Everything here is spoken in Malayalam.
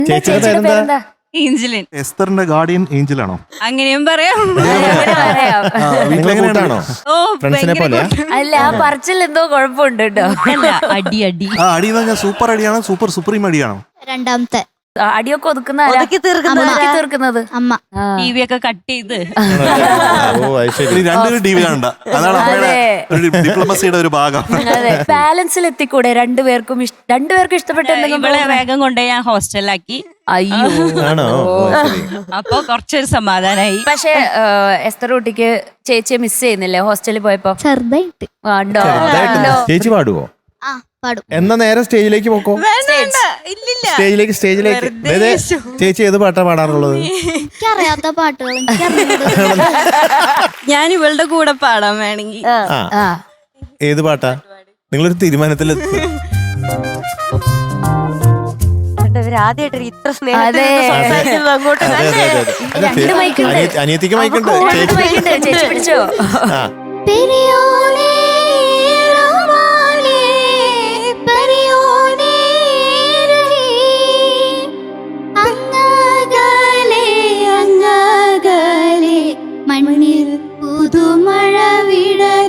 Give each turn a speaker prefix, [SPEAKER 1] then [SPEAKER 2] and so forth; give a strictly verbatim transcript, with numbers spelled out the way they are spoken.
[SPEAKER 1] ചേച്ചിയുടെ പേരെന്താ?
[SPEAKER 2] ഏഞ്ചലിൻ.
[SPEAKER 3] എസ്തറിന്റെ ഗാർഡിയൻ ഏഞ്ചലാണോ?
[SPEAKER 2] അങ്ങനെയും പറയാം.
[SPEAKER 1] വീട്ടിലാണോ?
[SPEAKER 2] ഓ
[SPEAKER 1] ഫ്രണ്ട്സിനെ പോലെയാ?
[SPEAKER 4] അല്ല, ആ പറച്ചിൽ എന്തോ കുഴപ്പമുണ്ട് കേട്ടോ.
[SPEAKER 2] അടി അടി
[SPEAKER 3] ആ അടി എന്ന് പറഞ്ഞാൽ സൂപ്പർ അടിയാണോ സൂപ്പർ സുപ്രീം അടിയാണോ?
[SPEAKER 5] രണ്ടാമത്തെ
[SPEAKER 4] അടിയൊക്കെ ഒതുക്കുന്ന ആരാ?
[SPEAKER 5] ഒതുക്കി തീർക്കുന്നത്
[SPEAKER 4] ഒതുക്കി തീർക്കുന്നത്
[SPEAKER 5] അമ്മ.
[SPEAKER 2] ടി വി ഒക്കെ കട്ട് ചെയ്ത്
[SPEAKER 1] ഓ അത് ശരി.
[SPEAKER 3] ഇനി രണ്ടുപേരും ടി വി കാണണ്ട. അതാണ് അമ്മയുടെ ഒരു ഡിപ്ലോമസിയുടെ ഒരു ഭാഗം.
[SPEAKER 4] അതെ, ബാലൻസിൽ എത്തിക്കൂടെ രണ്ടുപേർക്കും? ഇഷ്- രണ്ടുപേർക്കും ഇഷ്ടപ്പെട്ട എന്തെങ്കിലും
[SPEAKER 2] ഇവളെ
[SPEAKER 4] program?
[SPEAKER 2] വേഗം കൊണ്ട് ഞാൻ ഹോസ്റ്റലിലാക്കി.
[SPEAKER 4] അയ്യോ.
[SPEAKER 1] ആണോ? ഓ, ശരി.
[SPEAKER 2] അപ്പൊ കുറച്ചൊരു സമാധാനായി.
[SPEAKER 4] പക്ഷെ എസ്തർ കുട്ടിക്ക് ചേച്ചിയെ മിസ് ചെയ്യുന്നില്ലേ ഹോസ്റ്റലിൽ പോയപ്പോ?
[SPEAKER 5] ചെറുതായിട്ട്
[SPEAKER 4] കണ്ടോ?
[SPEAKER 1] ചെറുതായിട്ട്
[SPEAKER 4] കണ്ടോ?
[SPEAKER 1] ചേച്ചി പാടുവോ?
[SPEAKER 5] ആ പാടും.
[SPEAKER 1] എന്നാ നേരെ സ്റ്റേജിലേക്ക് പോക്കോ.
[SPEAKER 2] ഇല്ലില്ല.
[SPEAKER 1] സ്റ്റേജിലേക്ക് സ്റ്റേജിലേക്ക്
[SPEAKER 2] വെറുതെ
[SPEAKER 1] ദേ, ദേ, ചേച്ചി ഏത് പാട്ടാ പാടാറുള്ളത്?
[SPEAKER 5] എനിക്കറിയാത്ത പാട്ടുകൾ എനിക്കറിയാം.
[SPEAKER 2] ഞാൻ ഇവളുടെ കൂടെ പാടാൻ വേണമെങ്കിൽ.
[SPEAKER 1] ആ
[SPEAKER 4] ആ,
[SPEAKER 1] ഏത് പാട്ടാ? നിങ്ങളൊരു തീരുമാനത്തിൽ
[SPEAKER 6] ആദ്യമായിട്ട് ഇത്ര സ്നേഹത്തിൽ
[SPEAKER 4] അതെ.
[SPEAKER 6] സംസാരിക്കുന്നത് അങ്ങോട്ട്
[SPEAKER 4] രണ്ട് മൈക്കുണ്ട്.
[SPEAKER 1] അനിയത്തിക്ക് മൈക്കുണ്ട്.
[SPEAKER 4] രണ്ട് മൈക്കുണ്ട്. ചേച്ചി പിടിച്ചോ?
[SPEAKER 1] ആ
[SPEAKER 5] പെരിയോനേ റഹ്മാനേ പെരിയോനേ റഹീം അങ്ങകലെ അങ്ങകലെ മണ്ണിൽ പുതുമഴ വിട